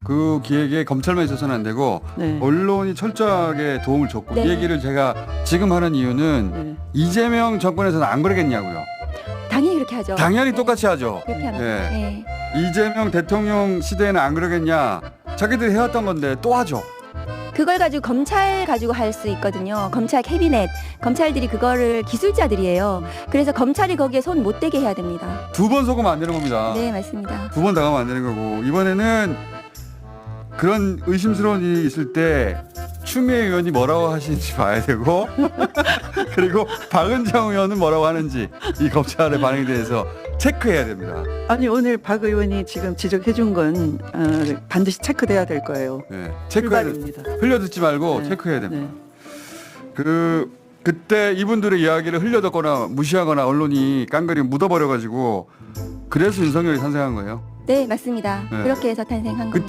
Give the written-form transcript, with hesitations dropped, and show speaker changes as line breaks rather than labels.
그 기획에 검찰만 있어서는 안 되고
네.
언론이 철저하게 도움을 줬고
네.
이 얘기를 제가 지금 하는 이유는
네.
이재명 정권에서는 안 그러겠냐고요.
당연히 그렇게 하죠.
당연히
네.
똑같이 하죠.
그렇게 합니다.
네.
네.
이재명 대통령 시대에는 안 그러겠냐. 자기들이 해왔던 건데 또 하죠.
그걸 가지고 검찰 가지고 할 수 있거든요. 검찰 캐비넷, 검찰들이 그거를 기술자들이에요. 그래서 검찰이 거기에 손 못 대게 해야 됩니다.
2번 속으면 안 되는 겁니다.
네, 맞습니다.
2번 당하면 안 되는 거고 이번에는 그런 의심스러운 일이 있을 때 추미애 의원이 뭐라고 하시는지 봐야 되고 그리고 박은정 의원은 뭐라고 하는지 이 검찰의 반응에 대해서 체크해야 됩니다.
아니 오늘 박 의원이 지금 지적해준 건 반드시 체크돼야 될 거예요.
네, 체크해야 됩니다.
출발입니다.
흘려듣지 말고
네.
체크해야 됩니다.
네.
그때 이분들의 이야기를 흘려듣거나 무시하거나 언론이 깡그리 묻어버려가지고 그래서 윤석열이 탄생한 거예요.
네, 맞습니다.
네.
그렇게 해서 탄생한 겁니다.